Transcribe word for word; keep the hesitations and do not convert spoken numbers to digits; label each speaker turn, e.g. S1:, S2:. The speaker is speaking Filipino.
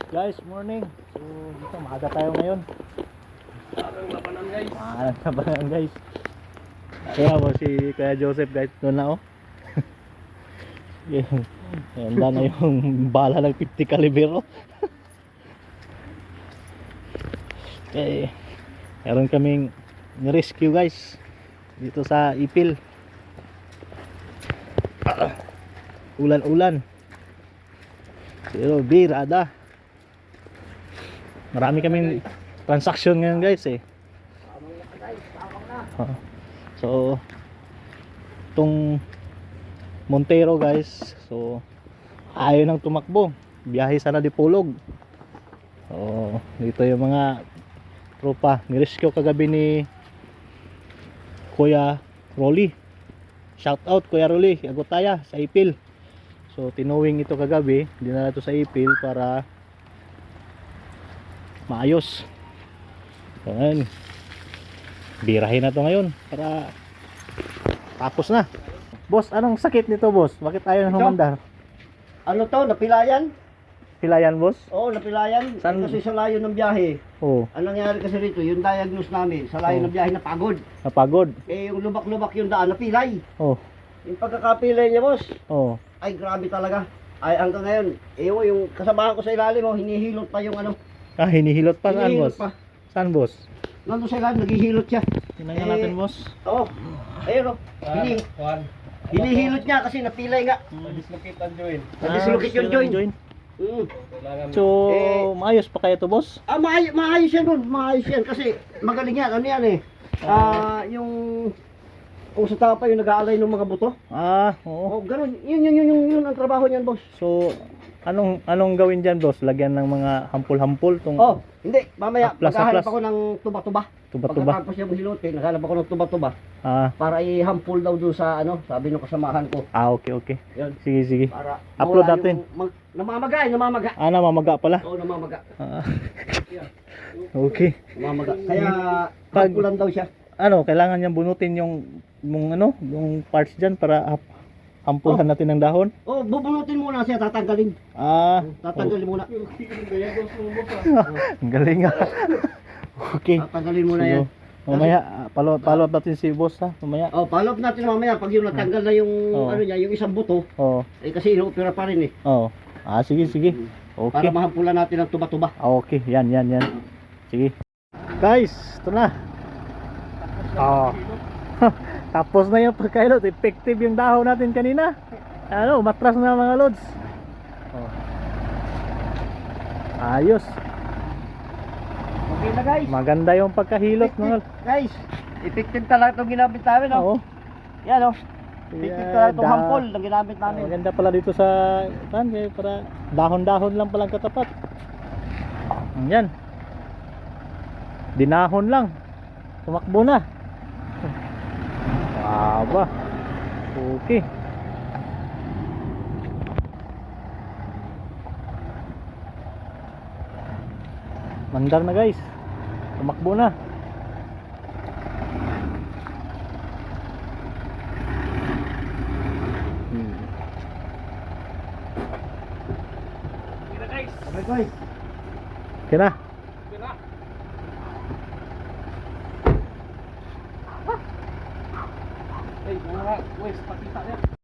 S1: Guys, morning. So, dito maaga tayo ngayon.
S2: Parang labanan guys.
S1: Maaga labanan guys. Kaya mo si Kuya Joseph guys, doon na oh. Yan, handa na yung bala ng fifty caliber oh. Okay, meron kaming rescue guys dito sa Ipil. Ah, ulan-ulan. Pero birada. Marami kaming transaction ngayon guys eh. Oh. So itong Montero guys, so ayaw nang tumakbo, biyahe sana Dipolog. So dito yung mga tropa, nirescue kagabi ni Kuya Rolly. Shout out Kuya Rolly, Agutaya sa Ipil. So tinuwing ito kagabi, dinala ito sa Ipil para maayos. So ngayon, birahin na to ngayon para tapos na. Boss, anong sakit nito boss? Bakit ayaw nang humandar?
S2: Ano to? Napilayan?
S1: Pilayan boss?
S2: Oo, napilayan.
S1: San-
S2: Eh, kasi sa layo ng biyahe.
S1: Oo,
S2: Anong nangyari kasi rito, yung diagnose namin, sa layo
S1: Oh.
S2: ng biyahe napagod.
S1: napagod.
S2: Eh, yung lubak-lubak yung daan, napilay.
S1: Oo,
S2: Yung pagkakapilay niya, boss,
S1: oo.
S2: ay grabe talaga. Ay, hanggang ngayon, eh, oh, yung kasamahan ko sa ilalim, oh, hinihilot pa yung ano.
S1: Ah, hinihilot pa saan
S2: hinihilot
S1: boss?
S2: pa.
S1: Saan boss?
S2: Nandun sa ilalim, naghihilot siya.
S1: Tingnan
S2: Eh,
S1: natin boss.
S2: Oo. Ayun, oh. Hini,
S3: Juan,
S2: hinihilot niya kasi napilay nga.
S3: dislocate ang joint.
S2: Nadislocate yung
S1: Ah,
S2: joint. Mm.
S3: Kailangan
S1: So,
S2: Eh,
S1: maayos pa kaya to boss?
S2: Ah, maay maayos yan nun, maayos yan kasi magaling yan, ano yan eh. Ah, yung kung sa tapa yung nag-aalay ng mga buto.
S1: Ah, oo.
S2: Oh, ganun. Yun yun yun yun, yun ang trabaho niyan, boss.
S1: So, anong anong gawin diyan boss? Lagyan ng mga hampul-hampul tong
S2: Oh, hindi, mamaya
S1: Aplas,
S2: maghahanap
S1: aplas.
S2: ako ng tuba-tuba.
S1: tuba-tuba.
S2: Pagkatapos yung hilutin, naghanap ako ng tuba-tuba
S1: Ah,
S2: para i-hampul daw doon sa ano, sabi ng kasamahan ko.
S1: ah okay, okay.
S2: Yun,
S1: Sige, sige.
S2: para
S1: Upload
S2: mawala
S1: natin.
S2: yung mag, namamaga, eh, namamaga.
S1: Ah, namamaga pala.
S2: Oo, namamaga.
S1: Ah, okay.
S2: Namamaga. Kaya
S1: Pag-
S2: hampulan daw siya.
S1: Ano, kailangan niyang bunutin yung yung ano, yung parts diyan para hap- hampulan natin ng dahon.
S2: Oh, bubunutin muna siya, tatanggalin.
S1: Ah,
S2: Tatanggalin muna.
S1: ang galing ah. Okay.
S2: Tatanggalin muna
S1: So,
S2: yan.
S1: mamaya, ah, follow, follow up natin si boss ha, mamaya.
S2: Oh, follow up natin mamaya pag yung natanggal na yung
S1: Oh.
S2: ano niya, yung isang buto,
S1: Oo,
S2: eh kasi inoopera pa rin eh.
S1: oo. Ah, sige, sige.
S2: Para
S1: Okay.
S2: mahampulan natin ang tuba-tuba.
S1: Ah, okay, yan, yan, yan. Sige. Guys, ito na. Oh. Tapos na yung pagkailot. Effective yung dahon natin kanina. Ano, matras na mga lods. Oh. Ayos.
S2: Okay na guys.
S1: Maganda yung pagkahilot mga
S2: Guys, effective talaga itong ginamit namin,
S1: Oo.
S2: oh. Yan, oh. Effective
S1: Yeah,
S2: talaga itong
S1: da-
S2: hampol na ginamit namin.
S1: Maganda pala dito sa pan, kaya para dahon-dahon lang palang katapat. Yan. Dinahon lang. Tumakbo na. Aba. Okay. Mandar na guys. Tumakbo na. Hmm.
S3: Kira guys.
S2: Okay guys.
S1: Okay na.
S3: Kira. Ay, mga guys, pakita niya.